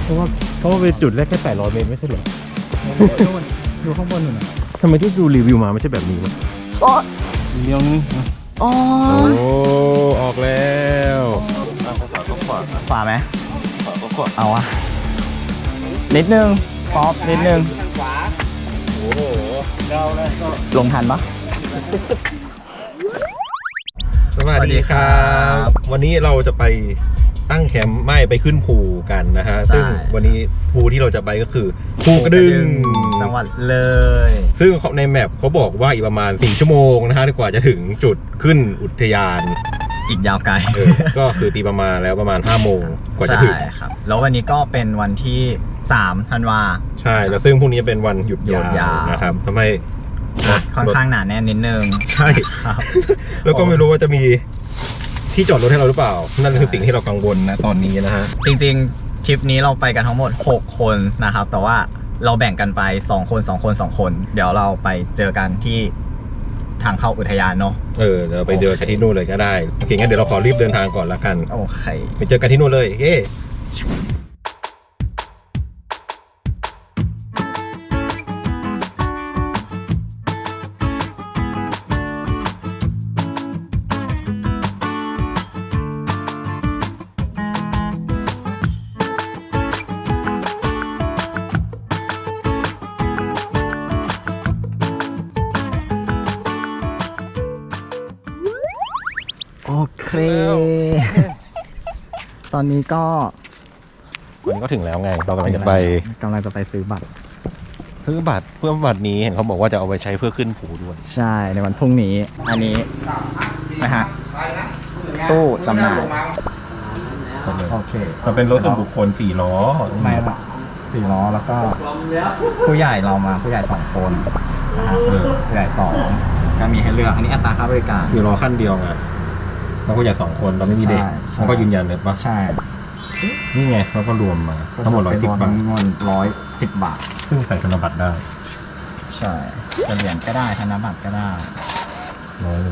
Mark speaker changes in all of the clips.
Speaker 1: ราะว่าเป็นจุดแรกแค่800 เมตรไม่ใช่เหรอ
Speaker 2: ดูข้างบนหน่อยนะ
Speaker 1: ทำไมที่ดูรีวิวมาไม่ใช่แบบนี้วะ
Speaker 2: เลี้ยวนึง
Speaker 3: อ๋อ
Speaker 1: โอ้ออกแล้วขวาไหม
Speaker 3: เอาอะนิดนึงป๊อปนิดนึง
Speaker 1: โอ้โหเราเลยก็
Speaker 3: ลงทันปะ
Speaker 1: สวัสดีครับ วันนี้เราจะไปตั้งแคมป์ไม่ไปขึ้นภูกันนะฮะซึ่งวันนี้ภูที่เราจะไปก็คือภูกระดึง
Speaker 3: จังหวัดเลย
Speaker 1: ซึ่งในแมปเขาบอกว่าอีกประมาณ4 ชั่วโมงนะฮะกว่าจะถึงจุดขึ้นอุทยาน
Speaker 3: อีกยาวไกล
Speaker 1: ก็คือตีประมาณแล้วประมาณ5 โมงกว่าจะถึง
Speaker 3: ใช่ครับแล้ววันนี้ก็เป็นวันที่3 ธันวา
Speaker 1: ใช่แล้วซึ่งพรุ่งนี้เป็นวันหยุดยาวนะครับทำให้
Speaker 3: ค่อนข้างหนาแน่นนิดนึง
Speaker 1: ใช่
Speaker 3: ครับ
Speaker 1: แล้วก็ไม่รู้ว่าจะมีที่จอดรถให้เราหรือเปล่านั่นคือสิ่งที่เรากังวลนะตอนนี้นะฮะ
Speaker 3: จริงๆทริปนี้เราไปกันทั้งหมด6 คนนะครับแต่ว่าเราแบ่งกันไป2 คน 2 คน 2 คน เดี๋ยวเราไปเจอกันที่ทางเข้าอุทยานเนาะ
Speaker 1: เดี๋ยวไปเดินกันที่นู่นเลยก็ได้โอเคงั้นเดี๋ยวเราขอรีบเดินทางก่อนละกัน
Speaker 3: โอเค
Speaker 1: ไปเจอกันที่นู่นเลยเย้
Speaker 3: โอเค ตอนนี้ก็
Speaker 1: วันนี้ก็ถึงแล้วไงเรากำลังจะไป
Speaker 3: ซื้อบัตร
Speaker 1: ซื้อบัตรเพื่อบัตรนี้เห็นเขาบอกว่าจะเอาไปใช้เพื่อขึ้นภูด้วย
Speaker 3: ใช่ในวันพรุ่งนี้อันนี้นะฮะตู้จำหน่ายโอเค
Speaker 1: มันเป็นรถส่วนบุคคล4 ล้อ
Speaker 3: ไม่ละ4 ล้อแล้วก็ผู้ใหญ่เรามาผู้ใหญ่2 คนนะฮะผู้ใหญ่2ก็มีให้เลือกอันนี้อัตราค่าบริการ
Speaker 1: 4 ล้อขั้นเดียวไงแล้วก็อย่า2 คนเราไม่มีเด็ก
Speaker 3: ใช่
Speaker 1: เขาก็ยืนยันเลยปะ
Speaker 3: ใช่
Speaker 1: นี่ไงเราก็รวมมาทั้งหมด110 บาท
Speaker 3: เงิน110 บาท
Speaker 1: ซึ่งใส่ธนบัตรได้
Speaker 3: ใช่จะเหรียญก็ได้ธนบัตรก็ได้
Speaker 1: 100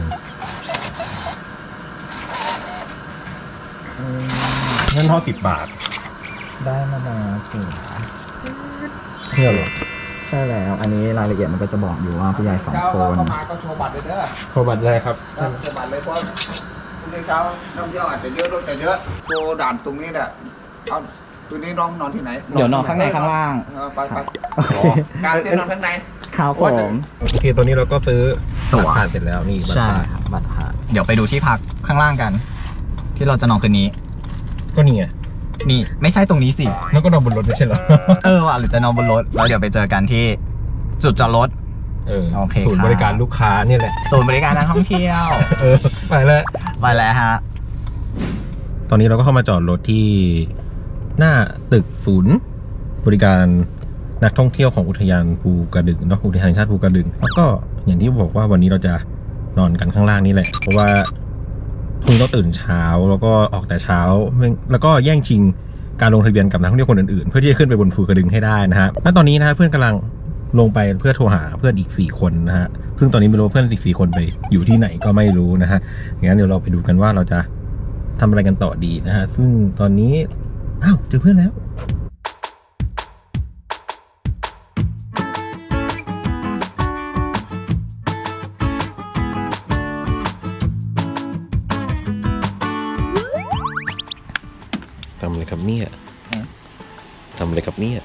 Speaker 1: เงินทอน10 บาท
Speaker 3: ได้มาแล้วถูก
Speaker 1: เนี่ยเหรอ
Speaker 3: ใช่แล้วอันนี้รายละเอียดมันก็จะบอกอยู่ว่าผู้ใหญ่2 คน
Speaker 4: เข้ามาก็โชว์บัตรเลยเด้อ
Speaker 1: ขอบัตรได้ครับ
Speaker 4: โชว์บัตรเลยเพราะพรุ่งนี้เช้าน้องเที่ยวอาจจะเยอะรถจะเยอะโชว์ด่านตรงนี้แหละเอาตัวนี้น้องนอนที่ไหน
Speaker 3: เดี๋ยวนอนข้างในข้างล่าง
Speaker 4: ไปไป
Speaker 3: โอเค
Speaker 4: การเต้นนอนข้างใน
Speaker 3: ครับผม
Speaker 1: โอเคตอนนี้เราก็ซื้อ
Speaker 3: ตั๋ว
Speaker 1: บัตรผ่านเสร็จแล้วนี่บัตร
Speaker 3: ใช่
Speaker 1: ผ่าน
Speaker 3: ครับบัตรผ่านเดี๋ยวไปดูที่พักข้างล่างกัน ที่เราจะนอนคืนนี้
Speaker 1: ก็นี่ไง
Speaker 3: นี่ไม่ใช่ตรงนี้สิ
Speaker 1: แล้วก็นอนบนรถไม่ใช่เหรอ
Speaker 3: ว่ะหรือจะนอนบนรถแล้วเดี๋ยวไปเจอกันที่จุดจอดรถ โอเค
Speaker 1: ศูนย์
Speaker 3: ครับ
Speaker 1: บริการลูกค้านี่แหละ
Speaker 3: ศูนย์บริการนักท่องเที่ยว
Speaker 1: ไปแล้ว
Speaker 3: ไปแล้วฮะ
Speaker 1: ตอนนี้เราก็เข้ามาจอดรถที่หน้าตึกศูนย์บริการนักท่องเที่ยวของอุทยานภูกระดึงเนาะอุทยานแห่งชาติภูกระดึงแล้วก็อย่างที่บอกว่าวันนี้เราจะนอนกันข้างล่างนี่แหละเพราะว่าพรุ่งนี้ต้องตื่นเช้าแล้วก็ออกแต่เช้าแล้วก็แย่งชิงการลงทะเบียนกับนักท่องเที่ยวคนอื่นๆเพื่อที่จะขึ้นไปบนภูกระดึงให้ได้นะฮะและตอนนี้นะฮะเพื่อนกำลังลงไปเพื่อโทรหาเพื่อนอีก4 คนนะฮะซึ่งตอนนี้ไม่รู้เพื่อนอีก4 คนไปอยู่ที่ไหนก็ไม่รู้นะฮะงั้นเดี๋ยวเราไปดูกันว่าเราจะทำอะไรกันต่อดีนะฮะซึ่งตอนนี้อ้าวเจอเพื่อนแล้วทำอะไรครับเนี่ยทำอะไรครับเนี่ย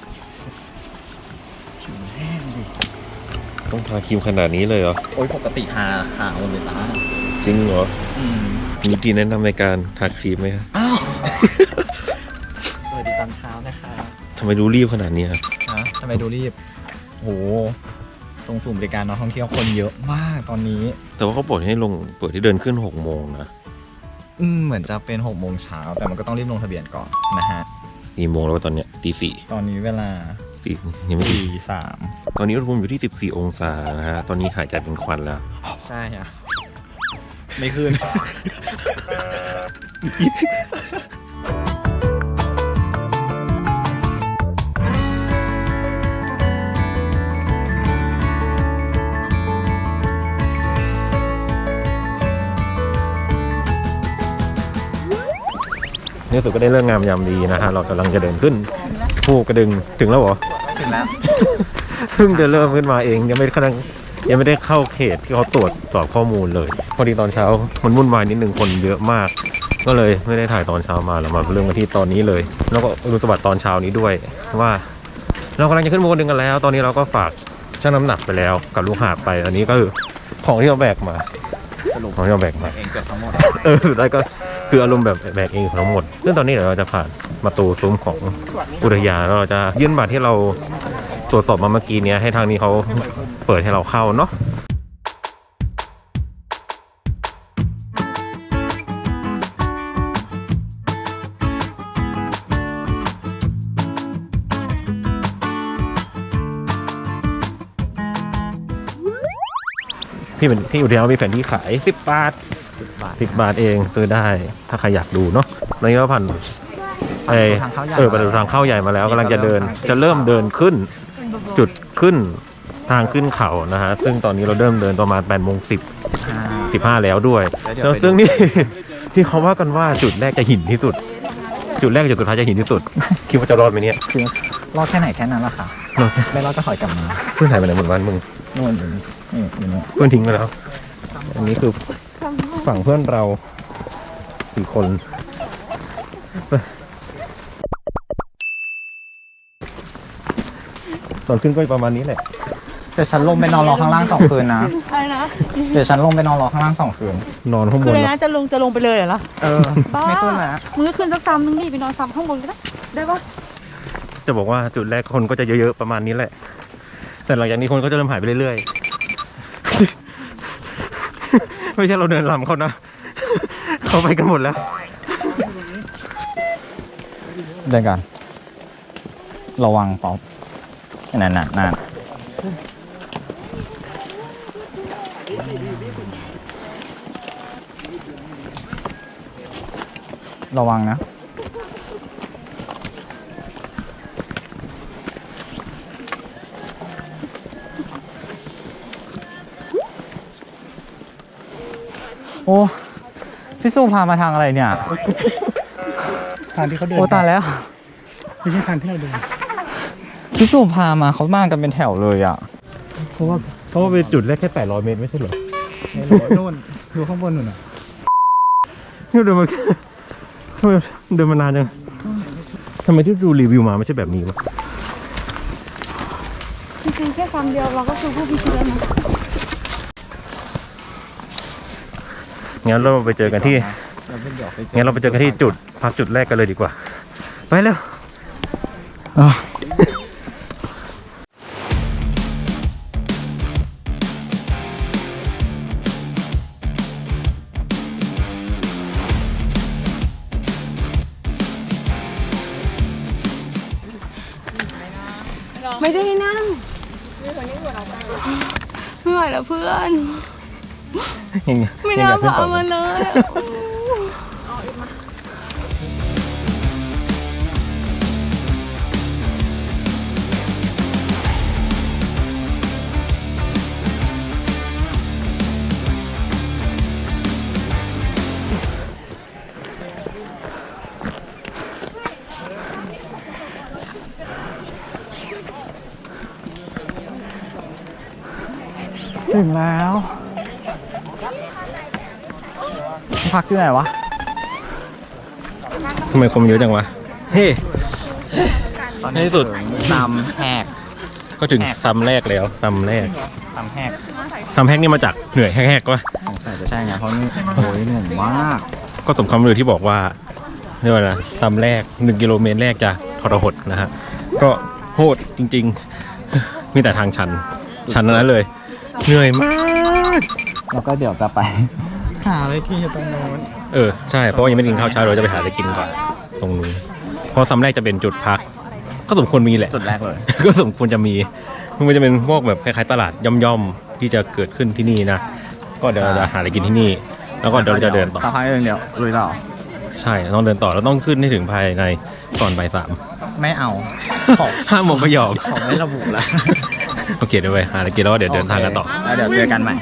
Speaker 1: ต้องทาครีมขนาดนี้เลยเหรอ
Speaker 3: โอ้ยปกติทาขาวเลยจ้า
Speaker 1: จริงเหรอมีวิธีแนะนำในการทาครีมไหมครับ
Speaker 3: อ้าวสวัสดีตอนเช้านะคะ
Speaker 1: ทำไมดูรีบขนาดนี้ครับ
Speaker 3: ทำไมดูรีบโหตรงศูนย์บริการนักท่องเที่ยวคนเยอะมากตอนนี้
Speaker 1: แต่ว่าเขาบอกให้ลงเปิดที่เดินขึ้น6 โมงนะ
Speaker 3: เหมือนจะเป็น6 โมงเช้าแต่มันก็ต้องรีบลงทะเบียนก่อนนะฮะ
Speaker 1: กี่โมงแล้วตอนเนี้ยตี
Speaker 3: ตอนนี้เวลา
Speaker 1: 4ยังไม่
Speaker 3: ตี
Speaker 1: ตี
Speaker 3: 3
Speaker 1: ตอนนี้อุณหภูมิอยู่ที่14 องศานะฮะตอนนี้หายใจเป็นควันแล้ว
Speaker 3: ใช่อะไม่ขึ้น
Speaker 1: ในที่สุดก็ได้เลิกงามยามดีนะฮะเรากำลังจะเดินขึ้นภูกระดึงถึงแล้วเหรอ
Speaker 3: ถึงแล้ว
Speaker 1: เพิ่งจะเริ่มขึ้นมาเองยังไม่ได้เข้าเขตที่เขาตรวจสอบข้อมูลเลยพอดีตอนเช้ามันวุ่นวายนิดนึงคนเยอะมาก ก็เลยไม่ได้ถ่ายตอนเช้ามาเรามาเริ่มกันที่ตอนนี้เลย แล้วก็ดูสบัดตอนเช้านี้ด้วยว่าเรากำลังจะขึ้นภูกระดึงกันแล้ว ตอนนี้เราก็ฝากชั่งน้ำหนักไปแล้วกับลูกหาบไปอันนี้ก็คือของที่เราแบกมา
Speaker 3: สรุป
Speaker 1: ของที่เราแบกมา
Speaker 3: เองเกือบทั้งหมด
Speaker 1: สุดท้ายก็คืออารมณ์แบบแบกเองทั้งหมดซึ่งตอนนี้เดี๋ยวเราจะผ่านประตูซุ้มของอุทยานแล้วเราจะยื่นบัตรที่เราตรวจสอบมาเมื่อกี้นี้ให้ทางนี้เขาเปิดให้เราเข้าเนาะที่อุทยานมีแผนที่ขาย10 บาท 10 บาทเองซื้อได้ถ้าใครอยากดูเนาะตอนนี้เราผ่านประตูทางเข้าใหญ่มาแล้วกำลังจะเริ่มเดินขึ้นจุดขึ้นทางขึ้นเขานะฮะซึ่งตอนนี้เราเริ่มเดินประมาณ8:15แล้วด้วยแล้วซึ่งนี่ ที่เขาว่ากันว่าจุดแรกจะหินที่สุด จุดแรกกับจุดสุดท้ายจะหินที่สุดคิดว่าจะรอดไหมเนี่ย
Speaker 3: คือรอดแค่ไหนแค่นั้นแหละค่ะไม่รอดก็ถอยกลับมา
Speaker 1: เพื่อนถ่ายไปไหนหมดวันมึง
Speaker 3: นู่นอยู่นี่อยู่นี่
Speaker 1: เพื่อนทิ้งไปแล้ว อันนี้คือฝั่งเพื่อนเรา4 คนตอนขึ้นก็ประมาณนี้แหละ
Speaker 3: เดี๋ยวฉันลงไปนอนรอข้างล่าง2 คืนนะ
Speaker 5: อะไรนะ
Speaker 3: เดี๋ยวฉันลงไปนอนรอข้างล่าง2 คืน
Speaker 1: นอนข้างบ
Speaker 5: คือน อะไร
Speaker 1: นะ
Speaker 5: นะจะลงไปเลยเหรอ บ้า
Speaker 3: ไม่ขึ้นแล้ว
Speaker 5: มึงก็ขึ้นสักซ้ำนึงดิไปนอนซ้ำข้างบนก็ได้ ได้ปะ
Speaker 1: จะบอกว่าจุดแรกคนก็จะเยอะๆประมาณนี้แหละ แต่หลังจากนี้คนก็จะเริ่มหายไปเรื่อยๆ ไม่ใช่เราเดินลำเขานะ เขาไปกันหมดแล้ว
Speaker 3: เดินกันระวังป๊อปนั่นระวังนะโอ้พี่สู้พามาทางอะไรเนี่ย
Speaker 2: ทางที่เขาเดิน
Speaker 3: โอ้ตายแล้ว
Speaker 2: ไม่ใช่ทางที่เราเดิน
Speaker 3: พี่สู้พามาเขามากันเป็นแถวเลยอ่ะ
Speaker 1: เพราะว่าเป็นจุดแรกแค่800 เมตรไม่ใช่เหรอ
Speaker 2: ในรถโน่นดูข้างบนนู่นน่ะ
Speaker 1: นี่เดินมาทำไมเดินมานานจังทำไมที่ดูรีวิวมาไม่ใช่แบบนี้วะ
Speaker 5: จริงๆแค่ซ้ำเดียวเราก็คือผู้พิชิตแล้วนะ
Speaker 1: งั้นเราไปเจอกันที่จุดพักจุดแรกกันเลยดีกว่า ไปเร็ว
Speaker 5: ไม่ได้นั่งไม่ไหวแล้วเพื่อน ไม่น่าพามาเลยอะ
Speaker 3: ถึงแล้ว พักอยู่ไหนวะ
Speaker 1: ทำไมคนเยอะจังวะ เฮ้ ในที่สุด
Speaker 3: ซ้ำแหก
Speaker 1: ก็ถึงซ้ำแรกแล้วซ้ำแรก
Speaker 3: ซ้ำแหก
Speaker 1: ซ้ำแรกนี่มาจากเหนื่อยแหกๆวะ
Speaker 3: สงสัยจะใช่ไงเพราะนี่โอ้ยหนุ่มมาก
Speaker 1: ก็สมคำลือที่บอกว่าเรียกว่านะซ้ำแรก1 กิโลเมตรแรกจะทรหดนะฮะก็โหดจริงๆ มีแต่ทางชันนั้นเลย เหนื่อยมาก
Speaker 3: แล้วก็เดี๋ยวจะไป หาอะไรกินอยู่ตรงโน้น
Speaker 1: ใช่เพราะว่ายังไม่ได้กินข้าวเช้าเราจะไปหาอะไรกินก่อนตรงนู้นเพราะซ้ำแรกจะเป็นจุดพัก ก็สมควรมีแหละ
Speaker 3: จุดแรกเลย
Speaker 1: ก็สมควรจะมีมันจะเป็นพวกแบบคล้ายๆตลาดย่อมๆที่จะเกิดขึ้นที่นี่นะก็เดี๋ยวเราจะหาอะไรกินที่นี่ แล้วก็เดี๋ยวเราจะเดินต่อ
Speaker 3: สักพักนึงเดี๋ยวลุยต่อ
Speaker 1: ใช่ต้องเดินต่อแล้วต้องขึ้นให้ถึงภายในก่อนบ่าย
Speaker 3: ไม่เอา ของ
Speaker 1: 3 5 โมงก็ยอม
Speaker 3: ของไม่ระบุละ
Speaker 1: โอเคเดี๋ยวไปหาอะไรกินแล้วก็เดี๋ยวเดินทางกันต่อ
Speaker 3: แล้วเดี๋ยวเจอกันใหม่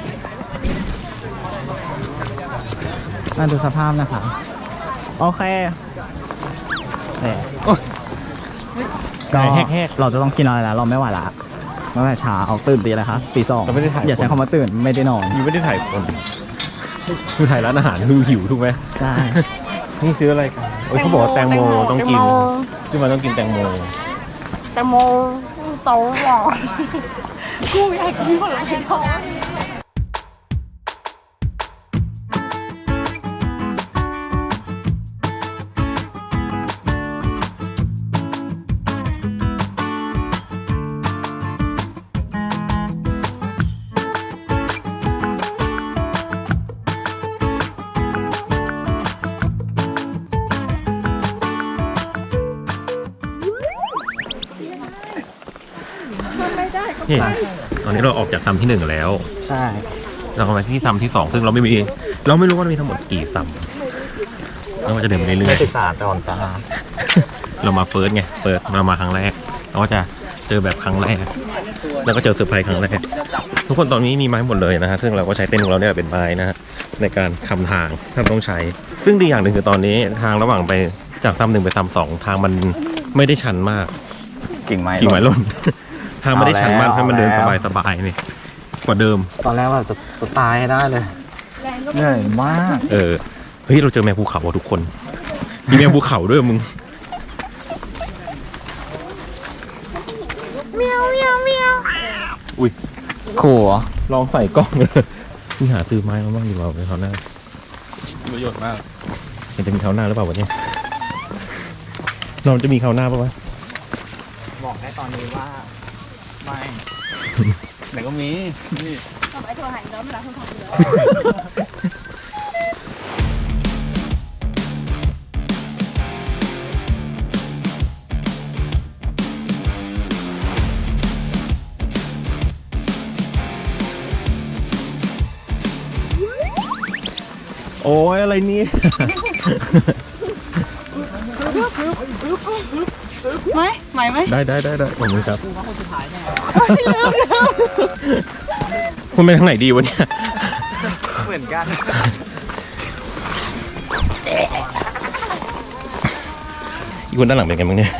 Speaker 3: มาดูสภาพนะคะโอเคเนี่ย
Speaker 1: โอ้ย
Speaker 3: ก็
Speaker 1: แหก
Speaker 3: เราจะต้องกินอะไรแล้วเราไม่ไหวละตั้งแต่เช้าตื่นตีอะไรคะตีสอง
Speaker 1: เราไม่ได้ถ่าย
Speaker 3: อย่าใช้คำว่าตื่นไม่ได้นอน
Speaker 1: ๆยูไม่ได้ถ่ายคนดูถ่ายร้านอาหารดูหิวถูกไหม
Speaker 3: ใช่
Speaker 1: นี่ซื้ออะไรกันโอ้ยเขาบอกว่าแตงโมต้องกินซึ่งมันต้องกินแตงโม
Speaker 5: แตงโมโตหวานกูอยากกินผลไม้ทอด
Speaker 1: นี่ตอนนี้เราออกจากซัมที่ 1 แล้ว
Speaker 3: ใช่
Speaker 1: เรามาที่ซัมที่ 2 ซึ่งเราไม่รู้ว่ามีทั้งหมดกี่ซัมเราก็จะเดินไปเรื่
Speaker 3: ไป
Speaker 1: อย
Speaker 3: ศึกษาก่อนจ้า
Speaker 1: ๆเรามาเฟิร์สไงเรามาครั้งแรกเราก็จะเจอแบบครั้งแรกแล้วก็เจอเซอร์ไพรส์ครั้งแรกทุกคนตอนนี้มีไม้หมดเลยนะฮะซึ่งเราก็ใช้เต้นของเราเนี่ยเป็นไม้นะฮะในการคำทางถ้าต้องใช้ ซึ่งดีอย่างหนึ่งคือตอนนี้ทางระหว่างไปจากซัม 1ไปซัม 2ทางมันไม่ได้ชันมาก
Speaker 3: กิ่งไม้
Speaker 1: กิ่งไม้หล่น ทางไม่ได้ชันมาก
Speaker 3: เอาแล้ว
Speaker 1: ให้มันเดินสบายๆนี่กว่าเดิม
Speaker 3: ตอนแรกว่าจะตายให้ได้เลยเหนื่อยมาก
Speaker 1: เฮ้ยเราเจอแมวภูเขาว่ะทุกคนมีแมวภูเขาด้วยมึง อุ้ย
Speaker 3: ขู่เหรอ
Speaker 1: ลองใส่กล้องเลยนี่หาซื้อไม้มาบ้างดีกว่าในคราวหน้าประโยชน์มากมันจะมีคราวหน้าหรือเปล่าวะเนี่ยเราจะมีคราวหน้าปะวะ
Speaker 3: บอกได้ตอนนี้ว่าไม่
Speaker 2: ไหนก็มีนี่
Speaker 1: โอ้ยอะไรนี่
Speaker 5: ไหมไหม
Speaker 1: ได้ขอบคุณครับคุณไปทางไหนดีวะเนี่ย
Speaker 3: เหมือนกัน
Speaker 1: อีกคนด้านหลังเป็นไงบ้างเนี่ย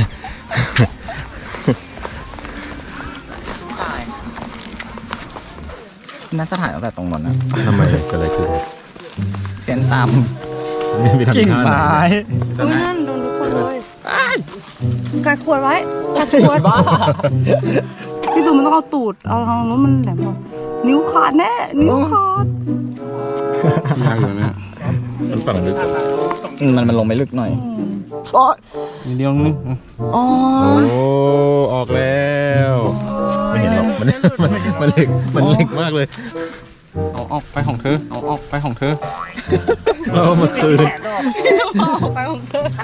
Speaker 3: น่าจะถ่ายตั้งแต่ตรงนั้นนะ
Speaker 1: ทำไมเกิดอะไรขึ้น
Speaker 3: เสียนตาม
Speaker 1: ไปทำ
Speaker 3: กิ่ง
Speaker 1: ท่าไหน
Speaker 3: ไม้
Speaker 5: อุ้ยนั่นโดนทุกคนเลยกัดขวดไว้กัดขวด
Speaker 3: บ้า
Speaker 5: พี่สุมันต้องเอาตูดเอาทางนู้นมันแหลมกว่านิ้วขาดแน่นิ้วขาด
Speaker 2: ยากอยู่เนี่ย
Speaker 1: มันฝั่งลึก
Speaker 3: มันลงไม่ลึกหน่อย
Speaker 2: นิดเดียวนึง
Speaker 3: อ๋อ
Speaker 1: โอ้ออกแล้วไม่เห็นหรอกมันเล็กมากเลย
Speaker 2: เอาออกไปของเธอเอาออกไปของเธอ
Speaker 1: เรามาคืน
Speaker 5: ไปของเธอ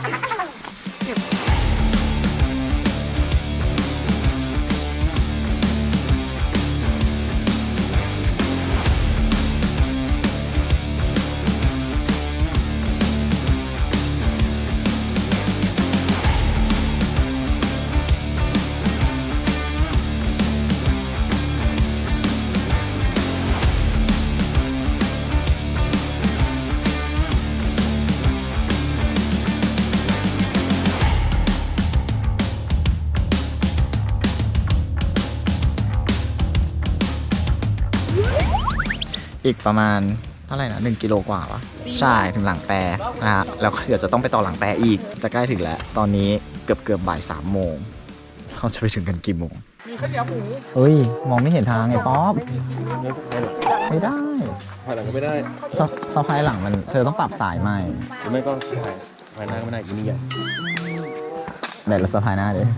Speaker 3: อีกประมาณเท่าไหร่นะ1 กิโลกว่าปะใช่ถึงหลังแปรนะฮะแล้วก็เดี๋ยวจะต้องไปต่อหลังแปรอีกจะใกล้ถึงแล้ว ตอนนี้เกือบบ่าย3 โมงเราจะไปถึงกันกี่โมงมีข้าวเหนียวหมูเฮ้ยมองไม่เห็นทางไงป๊อปไม่ได้
Speaker 1: ภายหลังก็ไม่ได้
Speaker 3: สะพายหลังมันเธอต้องปรับสายใหม่
Speaker 1: หรือไม่ก็ภายหน้าก็ไม่ได้อีนี่ใหญ่
Speaker 3: ไหนเราสะพายหน้าดิ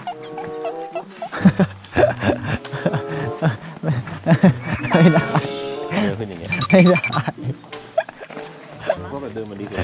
Speaker 3: ไม่ได้
Speaker 1: เดินขึ้นอย่างเงี้ย
Speaker 3: ไม่ได้
Speaker 1: ก็แบบเดินมาดีกว่า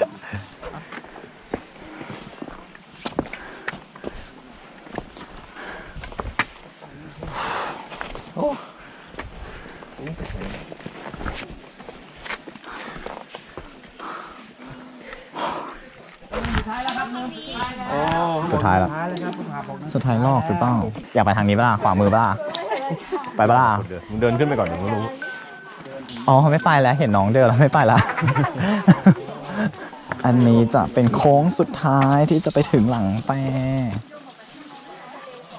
Speaker 3: สุดท้ายแล้วสุดท้ายลอกหรือเปล่าอยากไปทางนี้ป่ะล่ะขวามือป่ะล่ะไปป่ะล่ะ
Speaker 1: มึงเดินขึ้นไปก่อนเดี๋ยวมึงรู้
Speaker 3: อ๋อไม่ไปแล้วเห็นน้องเดินแล้วไม่ไปละ อันนี้จะเป็นโค้งสุดท้ายที่จะไปถึงหลังแปร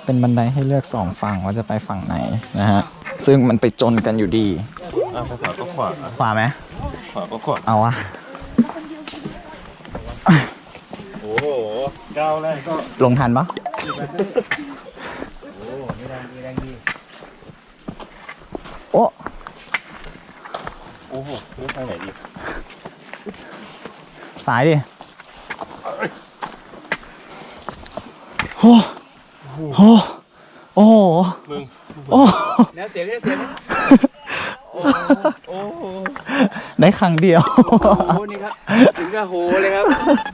Speaker 3: เป็นบันไดให้เลือก2ฝั่งว่าจะไปฝั่งไหนนะฮะซึ่งมันไปจนกันอยู่ดี
Speaker 1: ไปขวาก็ขวา
Speaker 3: ขวาไหม
Speaker 1: ขวาก็ขวา
Speaker 3: เอาวะ
Speaker 1: โอ้โหก้าวแรกก็
Speaker 3: ลงทันปะโอ้
Speaker 1: โอ้โหเลือกทางไหนดี
Speaker 3: สายดิโอ้โหโอ้โห
Speaker 1: มึง
Speaker 3: โอ้
Speaker 2: แล้วเสียงเสียง
Speaker 1: โอ้โห
Speaker 3: ได้ครั้งเดียว
Speaker 2: โอ้นี่ครับถึงกับโหเลยครับ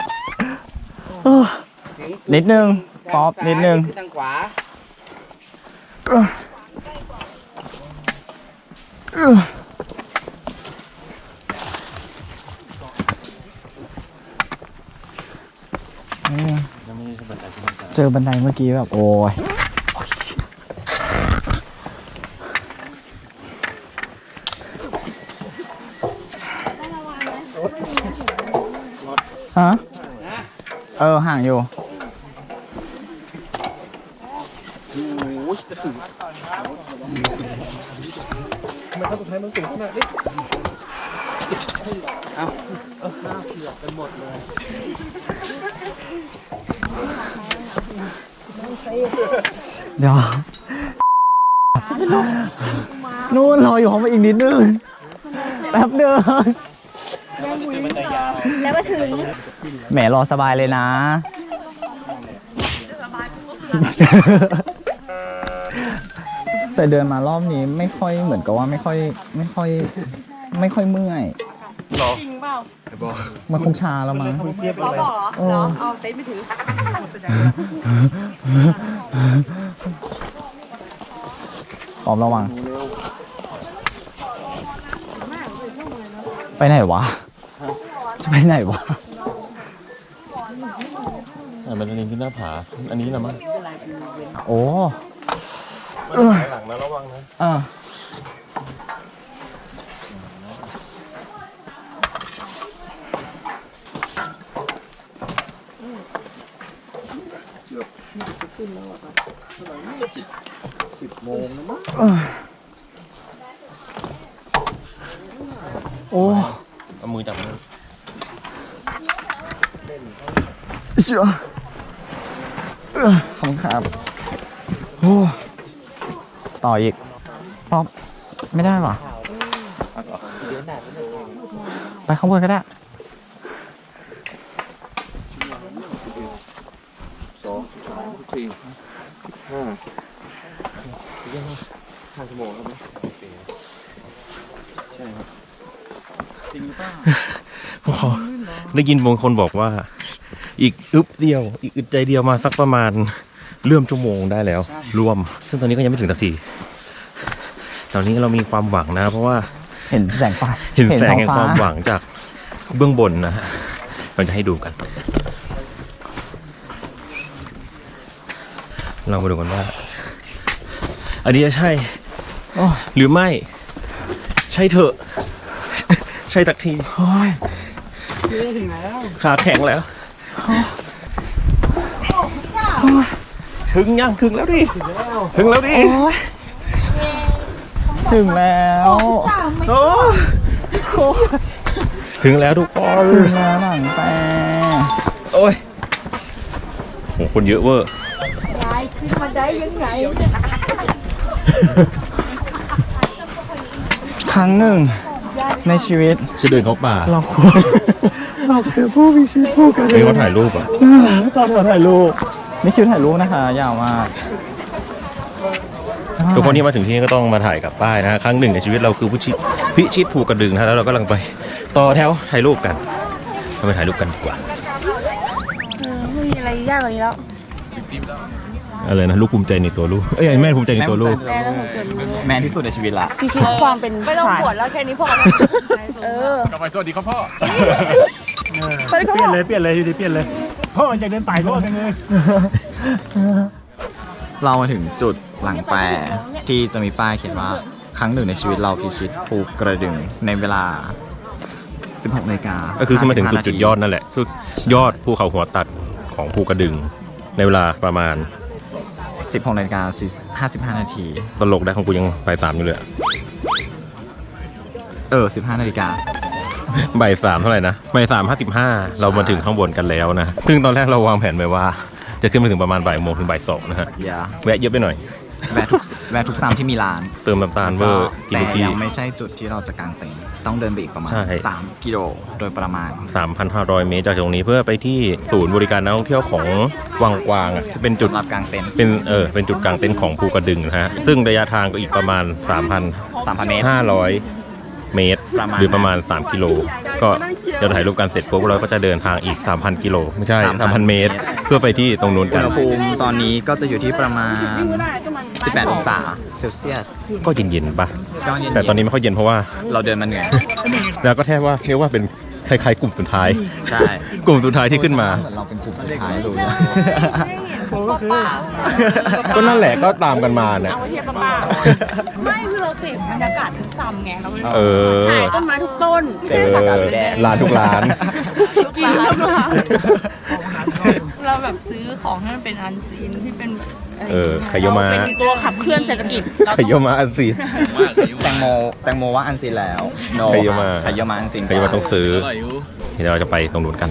Speaker 3: นิดนึงป๊อปนิดนึง
Speaker 2: ทางขวา
Speaker 3: เจอบันไดเมื่อกี้แบบโอ้ยฮะห่างอยู่ เดี๋ยวนู่นรออยู่ห้องมาอีกนิดนึงแป๊บเดียว
Speaker 5: แล้วก็ถึง
Speaker 3: แหมรอสบายเลยนะ แต่เดินมารอบนี้ไม่ค่อยเหมือนกับว่าไม่ค่อยเมื่อย
Speaker 5: จริงเปล่า
Speaker 3: มันคงชาแล้วมั้ง
Speaker 5: เราบอกเหรอเอาเซ็ตไปถือ
Speaker 3: พร้อมระวัง ไปไหนวะ จะไปไหนวะ
Speaker 1: มันอันนี้ที่หน้าผาอันนี้นะมั้ง
Speaker 3: โอ้
Speaker 1: มันหายหลังนะระวังนะ
Speaker 3: โอ้
Speaker 1: เอามือจับมือ
Speaker 3: เชื่อขอบคุณครับโอ้ต่ออีกป๊อปไม่ได้ว่ะไปข้างบนก็ได้
Speaker 1: ผมขอได้ยินบางคนบอกว่า อีกอึบเดียว อีกอึดใจเดียวมาสักประมาณเริ่มชั่วโมงได้แล้ว รวม ซึ่งตอนนี้ก็ยังไม่ถึงสักทีตอนนี้เรามีความหวังนะ เพราะว่า
Speaker 3: เห็นแสงไฟ
Speaker 1: เห็นแสงแห่ง
Speaker 3: ท้
Speaker 1: ความหวังจากเบื้องบนนะฮะเราจะให้ดูกัน เรามาดูกันว่า อันนี้จะใช่
Speaker 3: โอ้ย
Speaker 1: หรือไม่ ใช่เถอะ ใช่ตักที
Speaker 3: โอ้ย
Speaker 1: ขาแข็งแล้ว ถึงยังถึงแล้วดิ ถึงแล้วดิ
Speaker 3: โอ้ยถึงแล้ว
Speaker 1: โอ้ถึงแล้วทุกคน
Speaker 3: ถึงแล้วหลังแปร
Speaker 1: โอ้ยโหคนเยอะเวอร์
Speaker 5: ยายขึ้นมาได้ยังไง
Speaker 3: ครั้งหนึ่งในชีวิต
Speaker 1: จะเดินเข้าป่า
Speaker 3: เราคือผู้พิชิตผู้กระ
Speaker 1: เฮ้ยเขาถ่ายรูปอ่ะ
Speaker 3: ตอนถ่ายรูปนี่คิวถ่ายรูปนะคะยาวมาก
Speaker 1: ทุกคนที่มาถึงที่นี่ก็ต้องมาถ่ายกับป้ายนะฮะครั้งหนึ่งในชีวิตเราคือพิชิตภูกระดึงนะแล้วเราก็กำลังไปต่อแถวถ่ายรูปกันเราไปถ่ายรูปกันดีกว่า
Speaker 5: ไม่มีอะไรยากกว่านี้แล้ว
Speaker 1: อะไรนะลูกภูมิใจในตัวลูกเอ้ยแม่ภูมิใจในตัวลูก
Speaker 5: แม่ต้องจน
Speaker 3: แมนที่สุดในชีวิตละ
Speaker 5: พิชิตความเป็นไม่ต้องปวดแล้วแค่นี้พอเออก
Speaker 2: ลับไปสวัสดีครับพ่อ
Speaker 5: ไปก็
Speaker 6: เปลี่ยนเลยอยู่ดีเปลี่ยนเลยพ่อมันอยากเดินป่ายพ่อจังเลย
Speaker 3: เรามาถึงจุดหลังแปรที่จะมีป้ายเขียนว่าครั้งหนึ่งในชีวิตเราพิชิตภูกระดึงในเวลา 16 นาฬิกา
Speaker 1: ก็คือขึ้นมาถึง
Speaker 3: 55
Speaker 1: จุดยอดนั่นแหละจุดยอดภูเขาหัวตัดของภูกระดึงในเวลาประมาณ
Speaker 3: 16:55 นาที
Speaker 1: ตลกได้ของกูยังบ่ายสามอยู่เลยอะ
Speaker 3: 15 นาฬิกา
Speaker 1: บ่ายสามเท่าไหร่นะบ่ายสาม55เรามาถึงข้างบนกันแล้วนะซึ่งตอนแรกเราวางแผนไว้ว่า จะขึ้นไปถึงประมาณบ่ายโมงถึงบ่ายสองนะฮะ
Speaker 3: อย่า
Speaker 1: แวะเยอะไปหน่อย
Speaker 3: แวะทุกซ้ำที่มีร้าน
Speaker 1: เติมน้ำตาลเวอร์กิน
Speaker 3: แต่
Speaker 1: ทุกที่
Speaker 3: ยังไม่ใช่จุดที่เราจะกางเต็นท์ต้องเดินไปอีกประมาณ
Speaker 1: ใช่
Speaker 3: 3 กิโลโดยประมาณ
Speaker 1: 3,500 เมตรจากตรงนี้เพื่อไปที่ศูนย์บริการนักท่องเที่ยวของวังกวางอ่ะที่เป็นจุด
Speaker 3: สำหรับกางเต็นท์
Speaker 1: เป็นจุดกลางเต็นท์ของภูกระดึงนะฮะซึ่งระยะทางก็อีกประมาณ
Speaker 3: 3,000 เมตร
Speaker 1: 3,500 เมตร
Speaker 3: ประมาณ
Speaker 1: หรือประมาณ 3 กิโลก็เดี๋ยวถ่ายรูปกันเสร็จปุ๊บเราก็จะเดินทางอีก 3,000 กิโลไม่ใช่ 3,000 เมตร เพื่อไปที่ตรงนู้น
Speaker 3: อุ
Speaker 1: กั
Speaker 3: ณ
Speaker 1: น
Speaker 3: หภูมิตอนนี้ก็จะอยู่ที่ประมาณ 18 องศาเซลเซียส
Speaker 1: ก็เย็นๆปะ
Speaker 3: ก็เย็นๆ
Speaker 1: แต่ตอนนี้ไม่ค่อยเย็นเพราะว่า
Speaker 3: เราเดินมาเหนื่อย
Speaker 1: แล้วก็แทบว่าเรียกว่าเป็นคล้ายๆกลุ่มสุดท้าย
Speaker 3: ใช่
Speaker 1: กลุ่มสุดท้ายที่ขึ้นมา
Speaker 3: เหมือนเราเป็นกลุ่มสุดท้ายดู
Speaker 5: ใช่
Speaker 3: นะ
Speaker 5: เห็นป้า
Speaker 1: ก็นั่นแหละก็ตามกันมาเนี่ย
Speaker 5: เอาเทียบป้าไม่คือเราเสพบรรยากาศทุกซ้ำไงเรา
Speaker 1: เออ
Speaker 5: ใช่ต้นไม้ทุกต้นไม่ใช่สัตว์
Speaker 1: ร้านทุกร้าน
Speaker 5: กินทุกร้านเราแบบซื้อของที่มันเป็นอันซีนที่เป็น
Speaker 1: ไคโยมะ
Speaker 5: เป็นตัวขับเคลื่อนเศรษฐกิจ
Speaker 1: ไคโยมะอันซีน
Speaker 3: แตงโมว่าอันซีนแล้ว No
Speaker 1: ไคโยมะ
Speaker 3: ไคโยมะอันซีน
Speaker 1: ไคโยมะต้องซื้อเดี๋ยวเราจะไปตรงนู้นกัน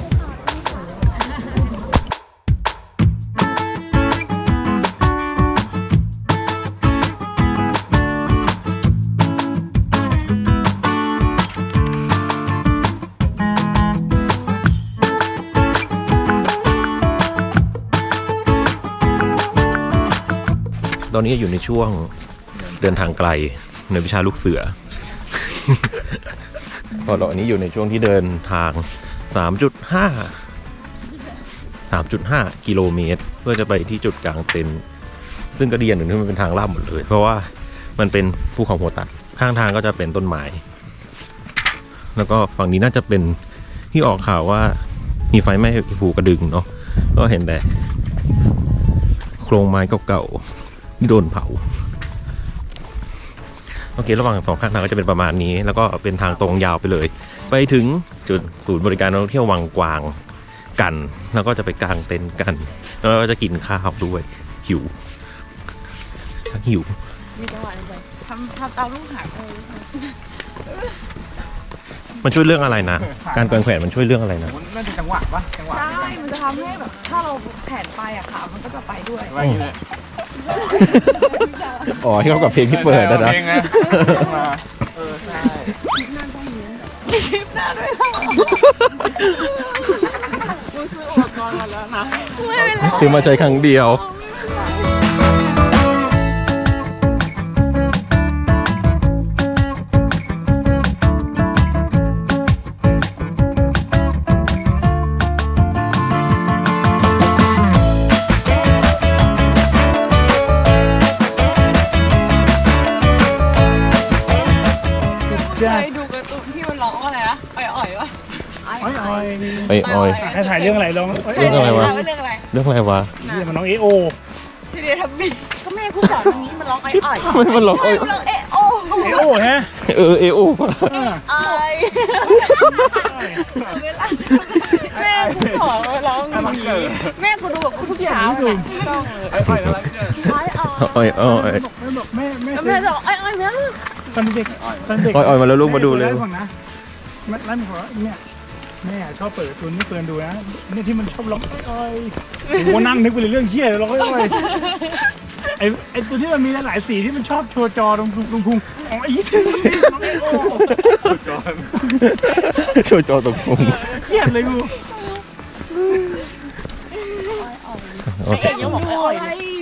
Speaker 1: ตอนนี้อยู่ในช่วงเดินทางไกลในวิชาลูกเสือ ตอนนี้อยู่ในช่วงที่เดินทาง 3.5 กิโลเมตร เพื่อจะไปที่จุดกลางเต็นท์ซึ่งก็ดีอย่างหนึ่งที่มันเป็นทางลาดหมดเลย เพราะว่ามันเป็นภูเขาหัวตัดข้างทางก็จะเป็นต้นไม้แล้วก็ฝั่งนี้น่าจะเป็นที่ออกข่าวว่ามีไฟไหม้ภูกระดึงเนาะก็เห็นแต่โครงไม้เก่าๆที่โดนเผาโอเคระหว่างสองข้างทางก็จะเป็นประมาณนี้แล้วก็เป็นทางตรงยาวไปเลยไปถึงจุดศูนย์บริการนักท่องเที่ยววังกวางกันแล้วก็จะไปกางเต็นท์กันแล้วก็จะกินข้าวด้วยหิวชักหิว
Speaker 5: มีจังหวะอะไรทำตามลูกหาง
Speaker 1: มันช่วยเรื่องอะไรนะ การกางแขวนมันช่วยเรื่องอะไรนะ
Speaker 4: น่าจะจังหวะปะจังหวะ
Speaker 5: ใช่มันจะทำให้แบบถ้าเราแผนไปอะขามันก็จะไปด้วย
Speaker 1: อ๋อที่เขากับเพลงที่เปิดนะ
Speaker 4: เพลงนะใช่
Speaker 5: มีคลิปหน้าด้วยเหรอกูซื้ออุปกรณ์มาแล้วนะไม่เป็นไร
Speaker 1: คือมาใช้ครั้งเดียว
Speaker 5: เคยดูการ์ตูนที่มันร้องอะไรนะอ่อยๆวะ
Speaker 6: อ้อย
Speaker 1: ไอ้ออย
Speaker 6: ให้ถ่ายเรื่องอะไรลอง
Speaker 1: เรื่องอะไรวะ
Speaker 5: เรื่องอะไร
Speaker 1: เรื่องอะไรวะ
Speaker 6: นี่มันน้องเอโอ
Speaker 5: ทีเดียวทำบีก็แม่กูสอนตรงนี้มันร้องอ่อยๆ
Speaker 1: ทำไมมันร้อง
Speaker 5: ใช่มันร้องเอะโอ
Speaker 6: เอโอฮะ
Speaker 1: เอโอป่ะ
Speaker 5: ไอแม่กูสอนมาร้องอย่างนี้แม่กูดูแบบกูทุกเช้าเลยต้องเลยอ่อย
Speaker 1: อ้อย
Speaker 6: แม่บอกแม่
Speaker 5: แล้วแม่จะบอกอ่อยๆนะ
Speaker 6: ตอนเด็กตอนเด็ก
Speaker 1: อ้อยมาแล้วลูกมาดูเลย
Speaker 6: นะร้านขอเนี่ยแม่ชอบเปิดตัวนี้เปิดดูนะเนี่ยที่มันชอบร้องอ้อยโอ้นั่งนึกไปเลยเรื่องเชี่ยร้องอ้อยไอตัวที่มันมีหลายสีที่มันชอบโชว์จอตรงพุงอ๋อไอ้ที่น้องเอโอ
Speaker 1: โชว์จอตรงมุม
Speaker 6: เครียดเลยกู
Speaker 1: โอเค
Speaker 5: ยังบอกอ่อย